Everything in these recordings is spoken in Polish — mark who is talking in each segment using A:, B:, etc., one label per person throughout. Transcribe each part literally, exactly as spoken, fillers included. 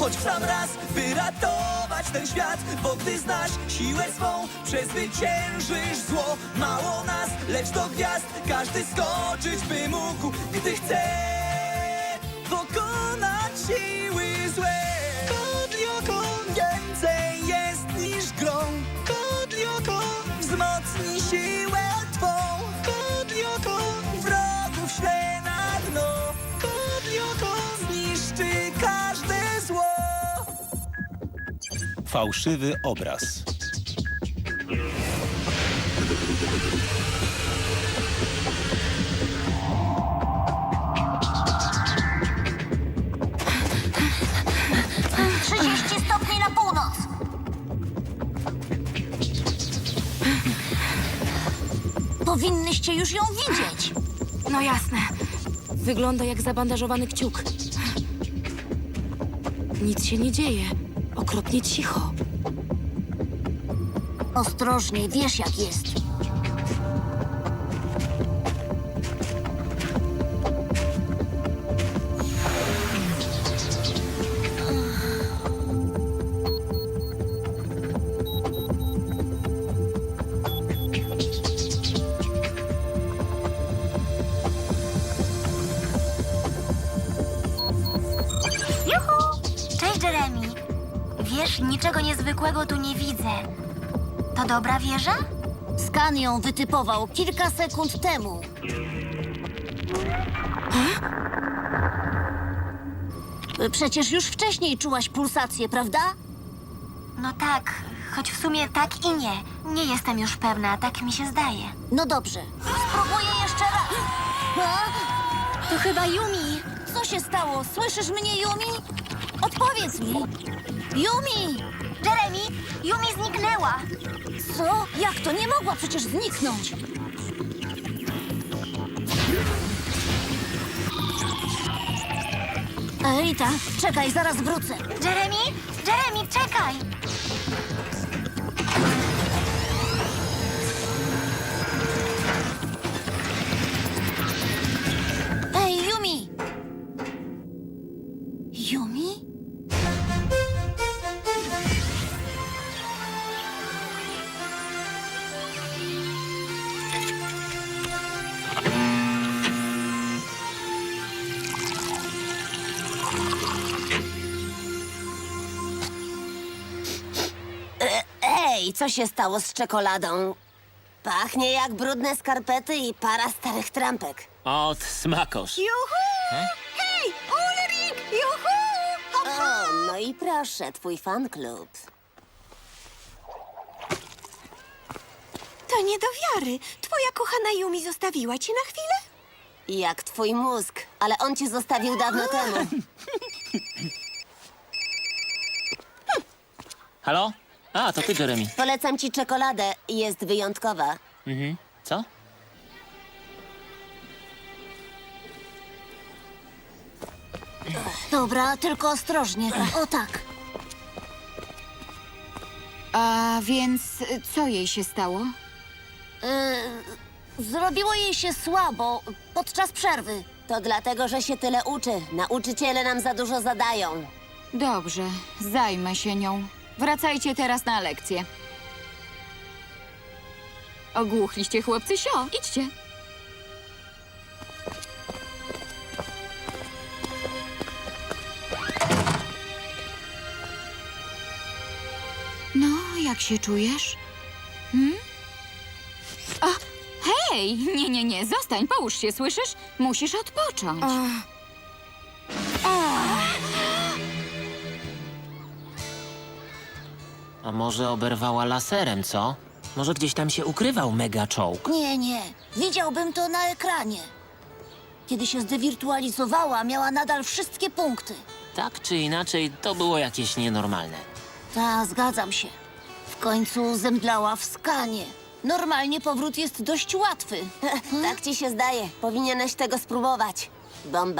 A: choć w sam raz, by ratować ten świat. Bo gdy znasz siłę swą, przezwyciężysz zło. Mało nas, lecz do gwiazd każdy skoczyć by mógł, gdy chce pokonać siły złe. Kodlioko więcej jest niż grą. Kodlioko wzmocni siłę twą. Kodlioko wrogów śle na dno. Kodlioko zniszczy każde zło.
B: Fałszywy obraz.
C: trzydzieści stopni na północ. Powinnyście już ją widzieć.
D: No jasne. Wygląda jak zabandażowany kciuk. Nic się nie dzieje. Okropnie cicho.
C: Ostrożnie, wiesz jak jest.
E: Juhu! Cześć, Jeremy. Wiesz, niczego niezwykłego tu nie widzę. To dobra wieża?
C: Skan ją wytypował kilka sekund temu. Przecież już wcześniej czułaś pulsację, prawda?
E: No tak, choć w sumie tak i nie. Nie jestem już pewna, tak mi się zdaje.
C: No dobrze. Spróbuję jeszcze raz. A?
E: To chyba Yumi.
C: Co się stało? Słyszysz mnie, Yumi? Odpowiedz mi. Yumi!
E: Jeremy, Yumi zniknęła.
C: Co? Jak to? Nie mogła przecież zniknąć. Rita, czekaj, zaraz wrócę.
E: Jeremy? Jeremy, czekaj!
C: Ej, Yumi! Yumi? Ej, co się stało z czekoladą? Pachnie jak brudne skarpety i para starych trampek.
F: Od smakosz.
C: Juhu! Hej, Ulrik! Juhu! O, no i proszę, twój fan klub.
G: To nie do wiary. Twoja kochana Yumi zostawiła cię na chwilę?
C: Jak twój mózg, ale on cię zostawił dawno temu.
F: Halo? A, to ty, Jeremy.
C: Polecam ci czekoladę, jest wyjątkowa.
F: Mhm. Co?
C: Dobra, tylko ostrożnie. O tak.
D: A więc co jej się stało?
C: Yy, zrobiło jej się słabo podczas przerwy. To dlatego, że się tyle uczy. Nauczyciele nam za dużo zadają.
H: Dobrze, zajmę się nią. Wracajcie teraz na lekcję. Ogłuchliście, chłopcy, sio. Idźcie. No, jak się czujesz? Hmm? O, hej! Nie, nie, nie, zostań, połóż się, słyszysz? Musisz odpocząć.
F: A może oberwała laserem, co? Może gdzieś tam się ukrywał mega czołg?
C: Nie, nie. Widziałbym to na ekranie. Kiedy się zdewirtualizowała, miała nadal wszystkie punkty.
F: Tak czy inaczej, to było jakieś nienormalne.
C: Ta, zgadzam się. W końcu zemdlała w skanie. Normalnie powrót jest dość łatwy. Tak ci się zdaje. Powinieneś tego spróbować. Bomba.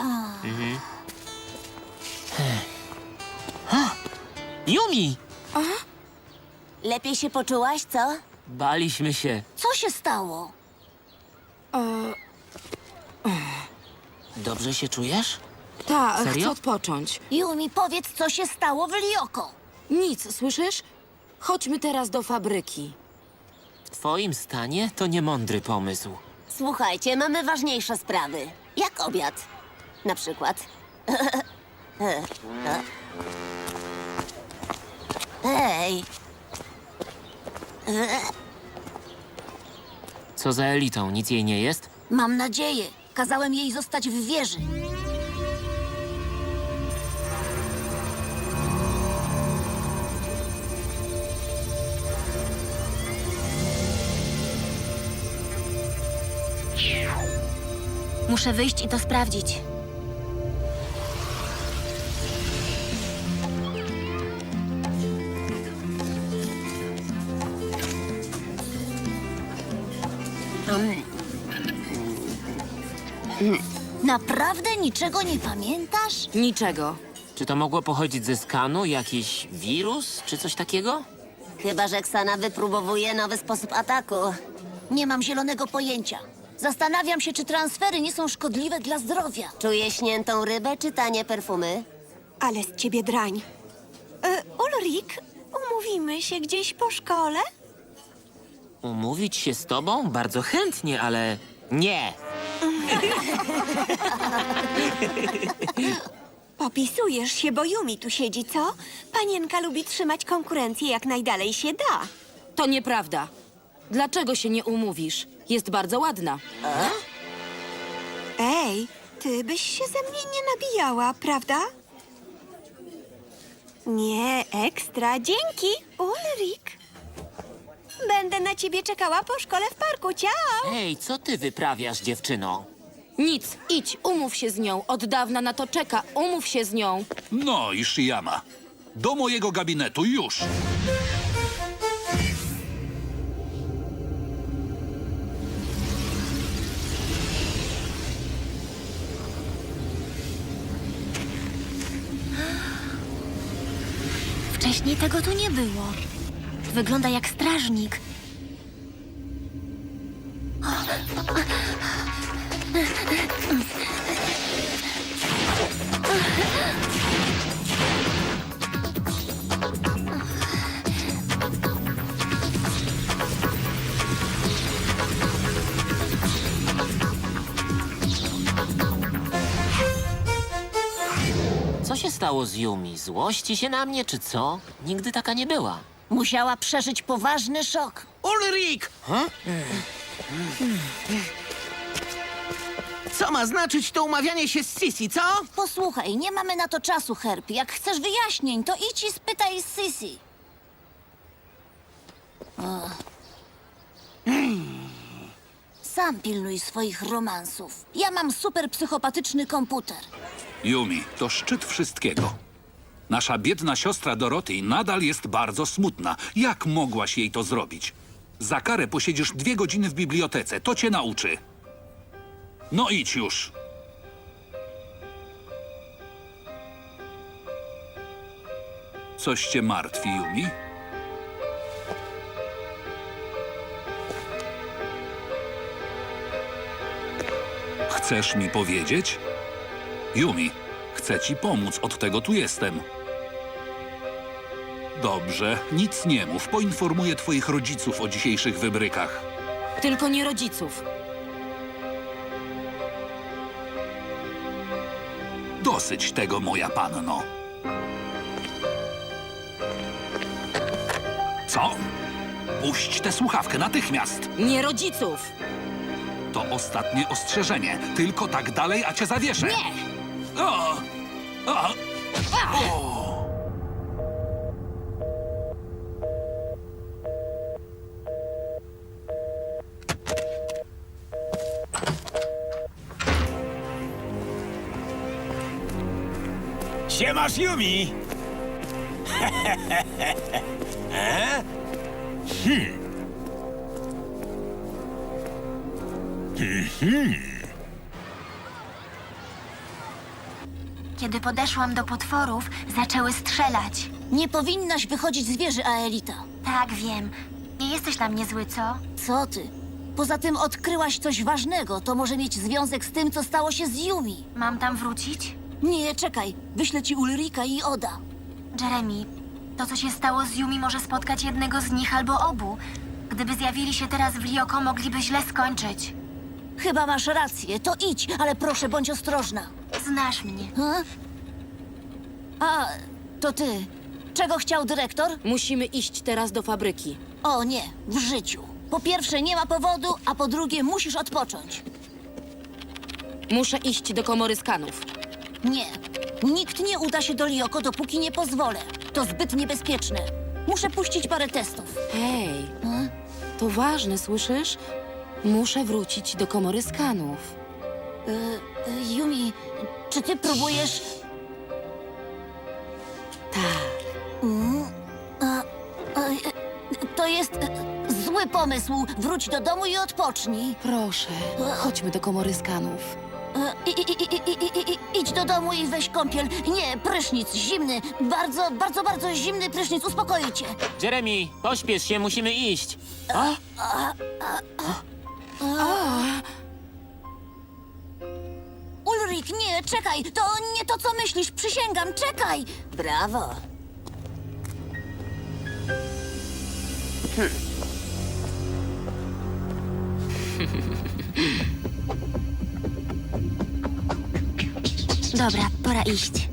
F: Yumi!
C: Lepiej się poczułaś, co?
F: Baliśmy się.
C: Co się stało?
F: Dobrze się czujesz?
D: Ta,
F: Serio?
D: chcę odpocząć.
C: Yumi, powiedz, co się stało w Lioko.
D: Nic, słyszysz? Chodźmy teraz do fabryki.
F: W twoim stanie to niemądry pomysł.
C: Słuchajcie, mamy ważniejsze sprawy. Jak obiad? Na przykład. Hej,
F: Co za elitą, nic jej nie jest?
C: mam nadzieję. Kazałem jej zostać w wieży.
E: Muszę wyjść i to sprawdzić.
C: Naprawdę niczego nie pamiętasz?
D: Niczego.
F: Czy to mogło pochodzić ze skanu? Jakiś wirus czy coś takiego?
C: Chyba że Ksana wypróbowuje nowy sposób ataku. Nie mam zielonego pojęcia. Zastanawiam się, czy transfery nie są szkodliwe dla zdrowia. Czuję śniętą rybę czy tanie perfumy?
G: Ale z ciebie drań. E, Ulrik, umówimy się gdzieś po szkole?
F: Umówić się z tobą? Bardzo chętnie, ale nie.
G: Popisujesz się, bo Yumi tu siedzi, co? Panienka lubi trzymać konkurencję jak najdalej się da.
D: To nieprawda. Dlaczego się nie umówisz? Jest bardzo ładna.
G: Ej, ty byś się ze mnie nie nabijała, prawda? Nie, ekstra, dzięki, Ulrik. Będę na ciebie czekała po szkole w parku, ciao!
F: Hej, co ty wyprawiasz, dziewczyno?
D: Nic, idź, umów się z nią. Od dawna na to czeka. Umów się z nią.
B: No, Ishiyama. Do mojego gabinetu już.
E: Wcześniej tego tu nie było. Wygląda jak strażnik.
F: Co się stało z Yumi? Złości się na mnie, czy co? Nigdy taka nie była.
C: Musiała przeżyć poważny szok.
I: Ulrik! Co ma znaczyć to umawianie się z Sisi, co?
C: Posłuchaj, nie mamy na to czasu, Herb. Jak chcesz wyjaśnień, to idź i spytaj Sisi. O. Sam pilnuj swoich romansów. Ja mam super psychopatyczny komputer.
B: Yumi, to szczyt wszystkiego. Nasza biedna siostra Doroty nadal jest bardzo smutna. Jak mogłaś jej to zrobić? Za karę posiedzisz dwie godziny w bibliotece. To cię nauczy. No idź już. Coś cię martwi, Yumi? Chcesz mi powiedzieć? Yumi, chcę ci pomóc, od tego tu jestem. Dobrze, nic nie mów. Poinformuję twoich rodziców o dzisiejszych wybrykach.
D: Tylko nie rodziców.
B: Dosyć tego, moja panno. Co? Puść tę słuchawkę natychmiast.
D: Nie rodziców.
B: To ostatnie ostrzeżenie. Tylko tak dalej, a cię zawieszę.
D: Nie!
B: O! O! O!
I: Siemasz, Yumi! e? Hmm.
E: Kiedy podeszłam do potworów, zaczęły strzelać.
C: Nie powinnaś wychodzić z wieży, Aelita.
E: Tak, wiem. Nie jesteś na mnie zły, co?
C: Co ty? Poza tym odkryłaś coś ważnego. To może mieć związek z tym, co stało się z Yumi.
E: Mam tam wrócić?
C: Nie, czekaj. Wyślę ci Ulrika i Oda.
E: Jeremy, to co się stało z Yumi może spotkać jednego z nich albo obu. Gdyby zjawili się teraz w Ryoko, mogliby źle skończyć.
C: Chyba masz rację. To idź, ale proszę, bądź ostrożna.
E: Znasz mnie.
C: Ha? A, to ty. Czego chciał dyrektor?
D: Musimy iść teraz do fabryki.
C: O nie, w życiu. Po pierwsze, nie ma powodu, a po drugie, musisz odpocząć.
D: Muszę iść do komory skanów.
C: Nie. Nikt nie uda się do Ryoko, dopóki nie pozwolę. To zbyt niebezpieczne. Muszę puścić parę testów.
D: Hej,
C: Ha?
D: to ważne, słyszysz? Muszę wrócić do komory skanów.
C: Y, y, Yumi, czy ty próbujesz...
D: Tak.
C: Mm, a, a, y, to jest y, zły pomysł. Wróć do domu i odpocznij.
D: Proszę, chodźmy do komory skanów.
C: Y, i- i- i- i- i- i- Idź do domu i weź kąpiel. Nie, prysznic, zimny. Bardzo, bardzo, bardzo zimny prysznic. Uspokoi cię.
F: Jeremy, pośpiesz się, musimy iść.
C: Ulrik, nie, czekaj. To nie to, co myślisz. Przysięgam, czekaj. Brawo.
E: Dobra, pora iść.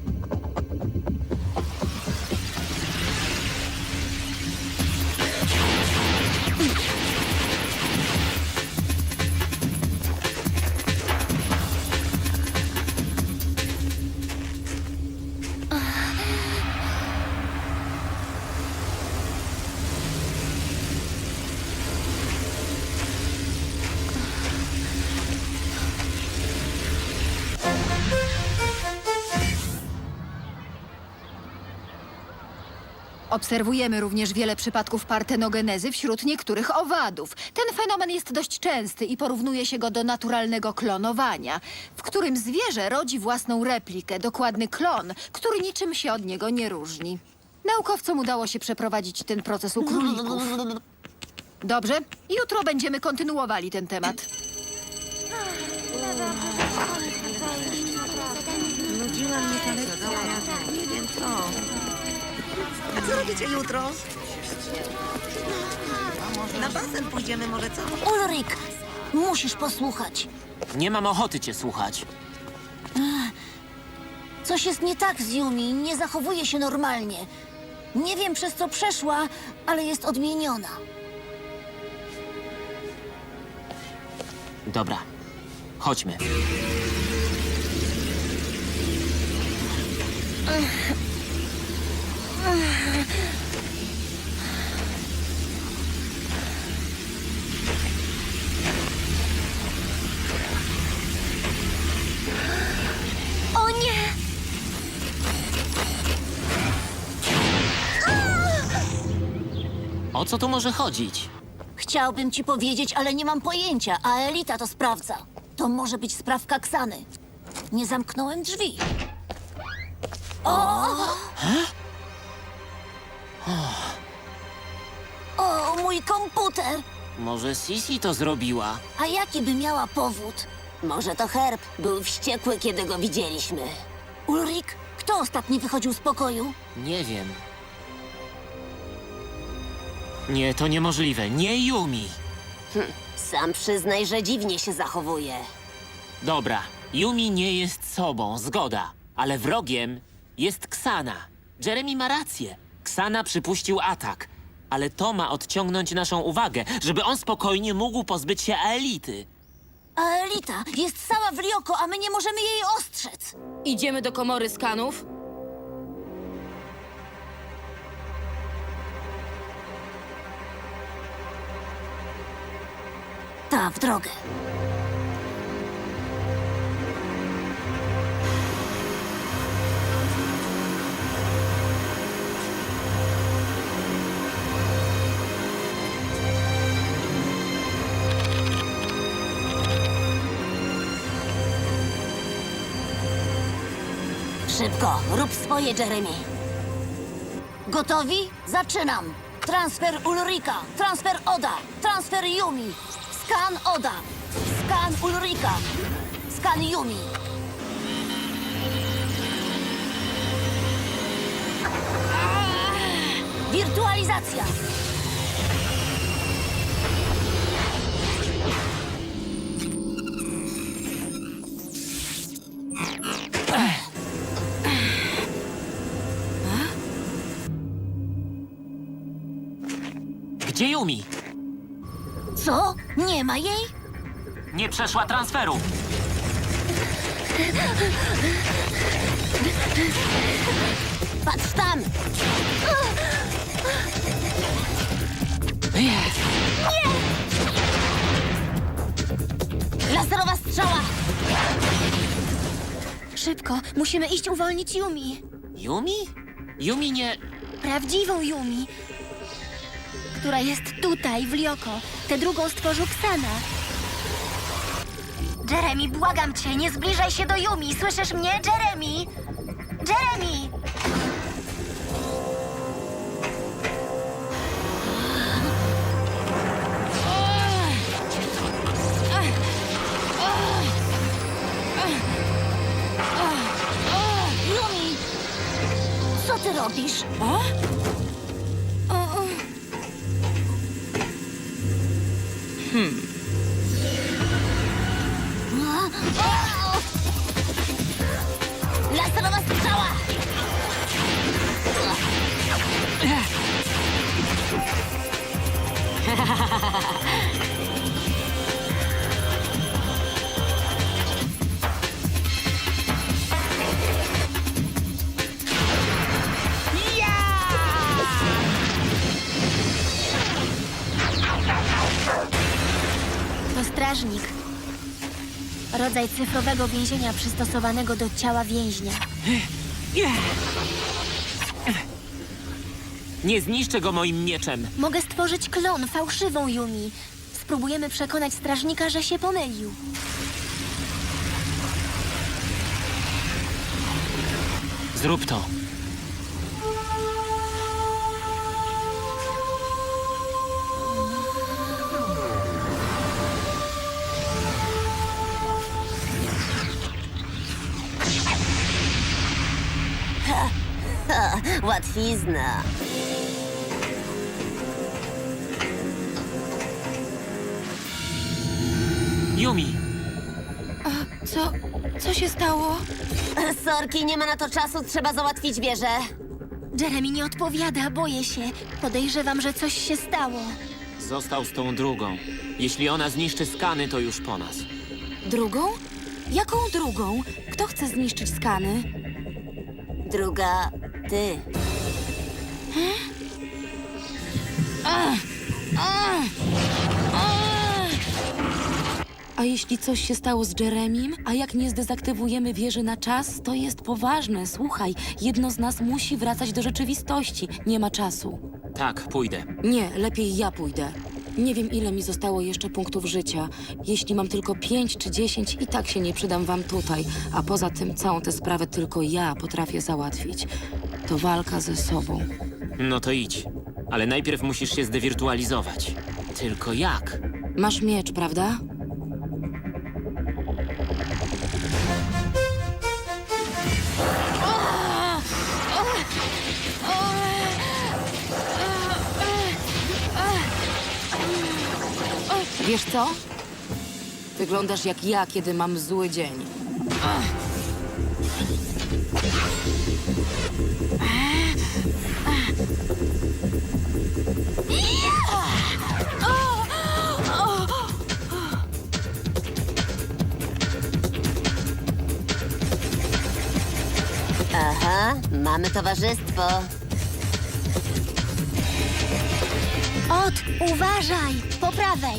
H: Obserwujemy również wiele przypadków partenogenezy wśród niektórych owadów. Ten fenomen jest dość częsty i porównuje się go do naturalnego klonowania, w którym zwierzę rodzi własną replikę, dokładny klon, który niczym się od niego nie różni. Naukowcom udało się przeprowadzić ten proces u królików. Dobrze, jutro będziemy kontynuowali ten temat.
J: A co robicie jutro? Na basen pójdziemy może, co?
C: Ulrik, musisz posłuchać.
F: Nie mam ochoty cię słuchać.
C: Coś jest nie tak z Yumi. Nie zachowuje się normalnie. Nie wiem, przez co przeszła, ale jest odmieniona.
F: Dobra, chodźmy.
E: O nie!
F: O co tu może chodzić?
C: Chciałbym ci powiedzieć, ale nie mam pojęcia, a Elita to sprawdza. To może być sprawka Ksany. Nie zamknąłem drzwi. O! O, mój komputer!
F: Może Sisi to zrobiła?
C: A jaki by miała powód?
K: Może to Herb. Był wściekły, kiedy go widzieliśmy.
C: Ulrik, kto ostatni wychodził z pokoju?
F: Nie wiem. Nie, to niemożliwe. Nie Yumi.
K: Sam przyznaj, że dziwnie się zachowuje.
F: Dobra, Yumi nie jest sobą, zgoda. Ale wrogiem jest Ksana. Jeremy ma rację. Ksana przypuścił atak. Ale to ma odciągnąć naszą uwagę, żeby on spokojnie mógł pozbyć się Aelity.
C: A Elita jest cała w Ryoko, a my nie możemy jej ostrzec.
D: Idziemy do komory skanów?
C: Ta, w drogę.
K: Szybko, rób swoje, Jeremy.
C: Gotowi? Zaczynam. Transfer Ulrika, transfer Oda, transfer Yumi. Skan Oda, skan Ulrika, skan Yumi. Neutralizacja!
F: Gdzie Yumi?
C: Co? Nie ma jej?
F: Nie przeszła transferu.
C: Patrz tam! Nie! Laserowa strzała!
G: Szybko, musimy iść uwolnić Yumi.
F: Yumi? Yumi nie...
G: Prawdziwą Yumi, która jest tutaj, w Lioko. Tę drugą stworzył Ksana.
E: Jeremy, błagam cię, nie zbliżaj się do Yumi. Słyszysz mnie, Jeremy? Jeremy!
C: Yumi! Co ty robisz? Laserowa strzała!
E: To strażnik. Rodzaj cyfrowego więzienia przystosowanego do ciała więźnia.
F: Nie zniszczę go moim mieczem.
E: Mogę stworzyć klon, fałszywą Yumi. Spróbujemy przekonać strażnika, że się pomylił.
F: Zrób to.
K: Łatwizna.
F: Yumi!
G: Co? Co się stało?
K: Sorki, nie ma na to czasu, trzeba załatwić wieżę.
E: Jeremy nie odpowiada, boję się. Podejrzewam, że coś się stało.
F: Został z tą drugą. Jeśli ona zniszczy skany, to już po nas.
D: Drugą? Jaką drugą? Kto chce zniszczyć skany?
K: Druga, ty.
D: A jeśli coś się stało z Jeremim? A jak nie zdezaktywujemy wieży na czas, to jest poważne. Słuchaj, jedno z nas musi wracać do rzeczywistości. Nie ma czasu.
F: Tak, pójdę.
D: Nie, lepiej ja pójdę. Nie wiem, ile mi zostało jeszcze punktów życia. Jeśli mam tylko pięć czy dziesięć, i tak się nie przydam wam tutaj. A poza tym całą tę sprawę tylko ja potrafię załatwić. To walka ze sobą.
F: No to idź. Ale najpierw musisz się zdewirtualizować. Tylko jak?
D: Masz miecz, prawda? Wiesz co? Wyglądasz jak ja, kiedy mam zły dzień.
K: Aha, mamy towarzystwo.
E: Ot, uważaj! Po prawej!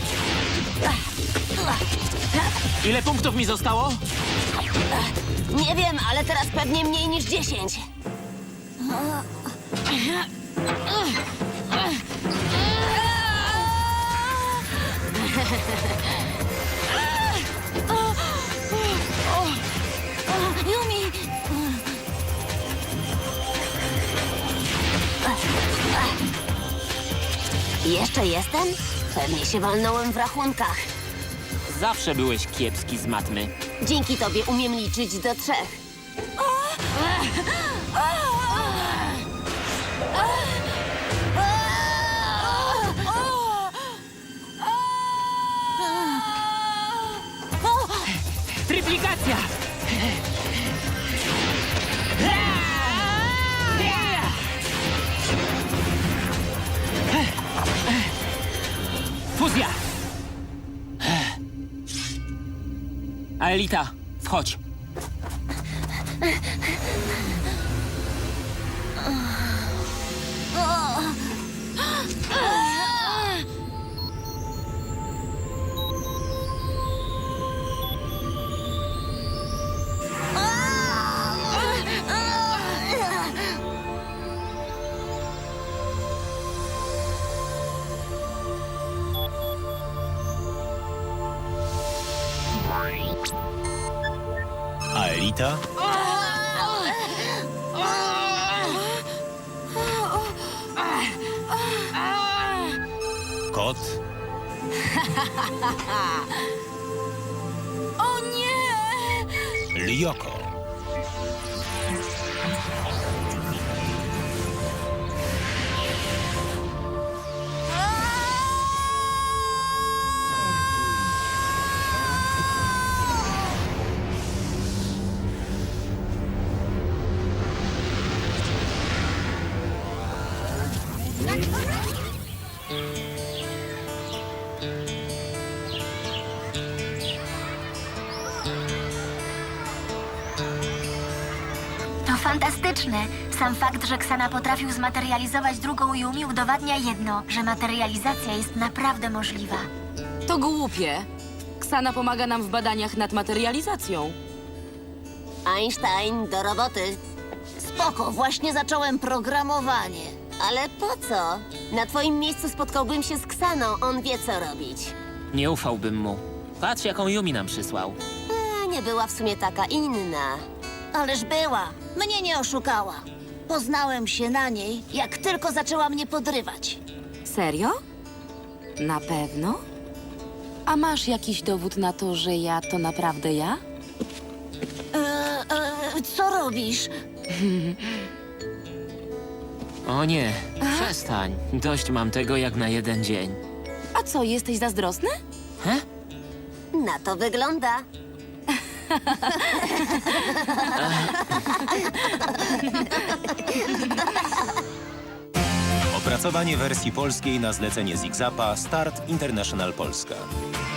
F: Ile punktów mi zostało?
K: Nie wiem, ale teraz pewnie mniej niż dziesięć.
C: Yumi!
K: Jeszcze jestem? Pewnie się walnąłem w rachunkach.
F: Zawsze byłeś kiepski z matmy.
K: Dzięki tobie umiem liczyć do trzech.
F: Aelita, wchodź.
I: Aelita? Kot?
G: O nie!
I: Lyoko?
E: To fantastyczne. Sam fakt, że Ksana potrafił zmaterializować drugą Yumi udowadnia jedno, że materializacja jest naprawdę możliwa.
D: To głupie. Ksana pomaga nam w badaniach nad materializacją.
K: Einstein, do roboty.
C: Spoko, właśnie zacząłem programowanie.
K: Ale po co? Na twoim miejscu spotkałbym się z Ksaną, on wie co robić.
F: Nie ufałbym mu. Patrz, jaką Yumi nam przysłał.
K: A, nie była w sumie taka inna.
C: Ależ była. Mnie nie oszukała. Poznałem się na niej, jak tylko zaczęła mnie podrywać.
D: Serio? Na pewno? A masz jakiś dowód na to, że ja to naprawdę ja?
C: E, e, co robisz?
F: O nie, przestań. Dość mam tego jak na jeden dzień.
D: A co, jesteś zazdrosny?
F: He?
K: Na to wygląda.
L: Opracowanie wersji polskiej na zlecenie Zigzapa Start International Polska.